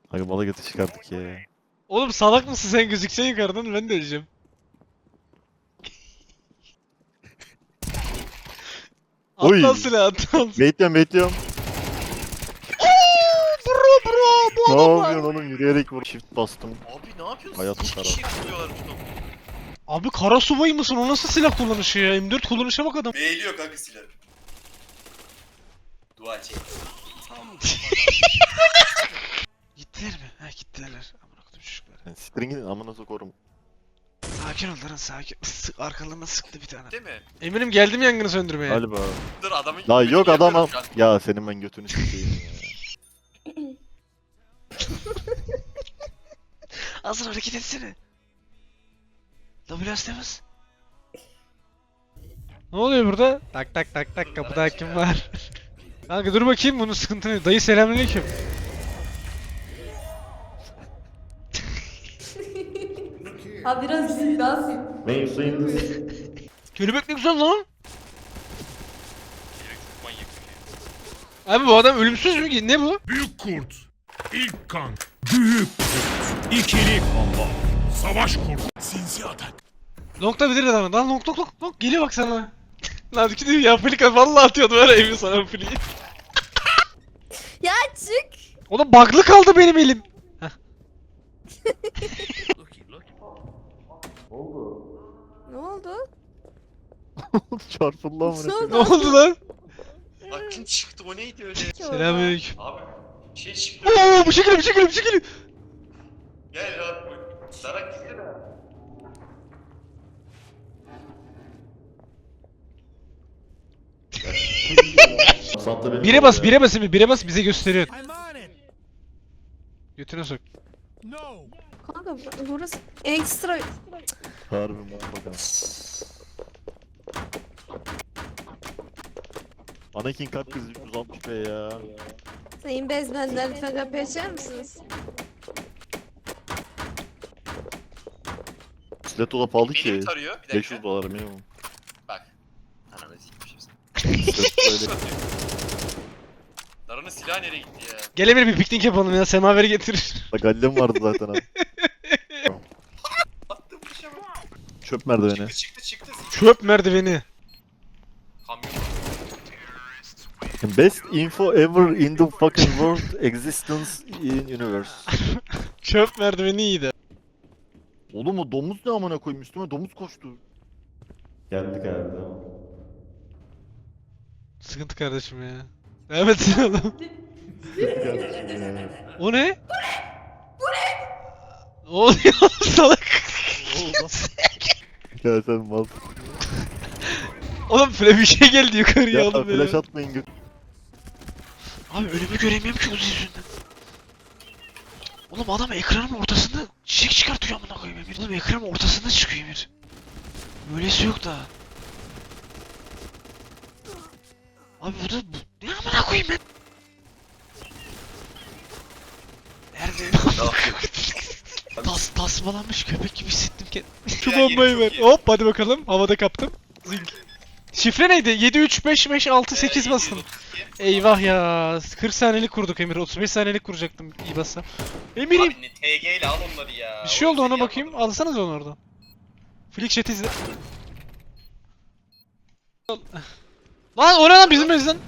Aga balık eti çıkardık ya. Oğlum salak mısın sen gözüksen yukarıdan ben de öleceğim. Atla Oy! silah atla. Bekliyorum. Bro bu Ne adamlar. yapıyorsun oğlum? Yürüyerek vur. Shift bastım. Abi ne yapıyorsun? Hayatım İki kara. kişi tutuyorlar tutum. Abi kara subay mısın? O nasıl silah kullanışı ya? M4 kullanışa bak adam. Beğeniyor kanka silah. Dua çek. Gittiler mi? Ha gittiler. Amına koydum çocuklar. Yani siktirin gidin amına sokurum. Sakin ol lan sakin. Arkalarına sıktı bir tane. Değil mi? Eminim geldim yangını söndürmeye. Galiba. Dur adamın... La yok adam Yapıyorum şu an. Ya senin ben götünü sikeyim ya. Hazır hareket etsene. WS'de bas. Ne oluyor burada? Tak tak tak tak kapıda kim var? Kanka dur bakayım bunun sıkıntı ne? Dayı selamünaleyküm. Ha biraz biraz. Kelebek ne güzel lan. Herif çok manyak. Abi bu adam ölümsüz mü ki? Ne bu? Büyük kurt, ilk kan, büyük kurt, ikili combo, savaş kurt, sinsi atak. Long'da bilir adamı. Lan long. Geliyor bak sana. Lan gidiyor ya Flika vallahi atıyordu var ya evi sana Flik'i. Ya çık. Oğlum bug'lı kaldı benim elim. Ne oldu? Çarpıldı amına Ne koyayım. Ne oldu lan? Aklın çıktı o neydi öyle? Selamünaleyküm. Abi şey çıktı. Oo bu şekilde. Gel rahat bırak. Darak gitsene. Santa benim Bire oldu bas, ya. bire bas bize gösteriyor. I'm on it. Götüne sok. No. Kanka burası ekstra. Harbi mal bakalım. Anakin kalp krizi 360 be ya. Sayın bezmenler lütfen kapıyı açar mısınız? Stiletto da pahalı Beni mi ki. tarıyor? Bir dakika. 500 dolar minimum. Bak. Ananı sikmişim. Stiletto öyle. Daranın silahı nereye gitti ya? Gel Emir bir piknik yapalım ya semaveri getir. Gallem vardı zaten abi. Attım bir şey bak. Çöp merdiveni. Çıktı. Çöp merdiveni. Kamyon. Best info ever in the fucking world existence in universe. Çöp merdiveni iyiydi. Oğlum o domuz ne amına koyayım üstüme domuz koştu. Geldik abi tamam. Sıkıntı kardeşim ya. Evet oğlum. O ne? Bu ne? Ne oluyor salak? Ya sen mal. Oğlum bir şey geldi yukarıya Ya oğlum flash ya. atmayın göt. Abi önümü göremiyorum ki Uzi yüzünden. Oğlum adam ekranın ortasında çiçek çıkartıyor amına koyayım Emir. Oğlum ekranın ortasında çıkıyor Emir. Böylesi yok da. Abi ne amına koyayım ben? Nerede? Tasmalanmış köpek gibi hissettim kendimi. Şu Ya, yeri bombayı çok ver. iyi. Hop hadi bakalım. Havada kaptım. Zing. Şifre neydi? 7 3 5 5 6 8 bastım. 732. Eyvah ya. 40 saniyelik kurduk Emir. 35 saniyelik kuracaktım iyi bassam. Emir'im. Abi ne TG ile al onları ya. Bir şey oldu Oğlum ona seni bakayım. yapmadım. Alsanız onu oradan. Flick chat izle. Lan o ne lan bizim bezden?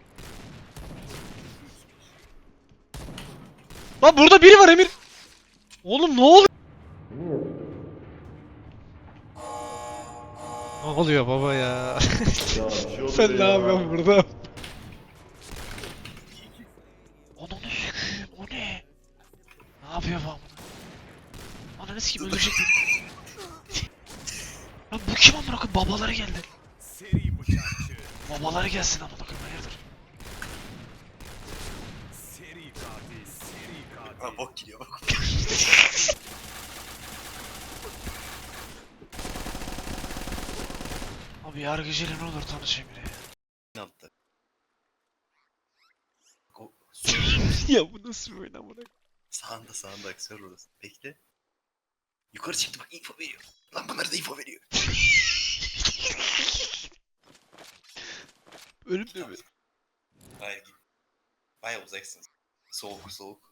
Lan burada biri var Emir. Oğlum ne oluyor? Ne oluyor baba ya? Sen ne yapıyorsun burada? Ananı sikeyim o ne? Ne yapıyor bu amına? Ananı sikeyim öldürecek beni. Lan bu kim amına koyayım? Babaları geldi. Seri bıçakçı, Babaları gelsin amına koyayım hayırdır? seri katil. Ha bok gidiyor bak. Abi yargıcıyla ne olur tanışayım bile. Ne yaptı? O Ya bu nasıl bir oyun amına koyayım? sağında aksiyonu orası. Bekle. Yukarı çıktı bak info veriyor. Lan bunlar da info veriyor. Ölüm de mi? Hayır git. Baya uzaksın. Soğuk.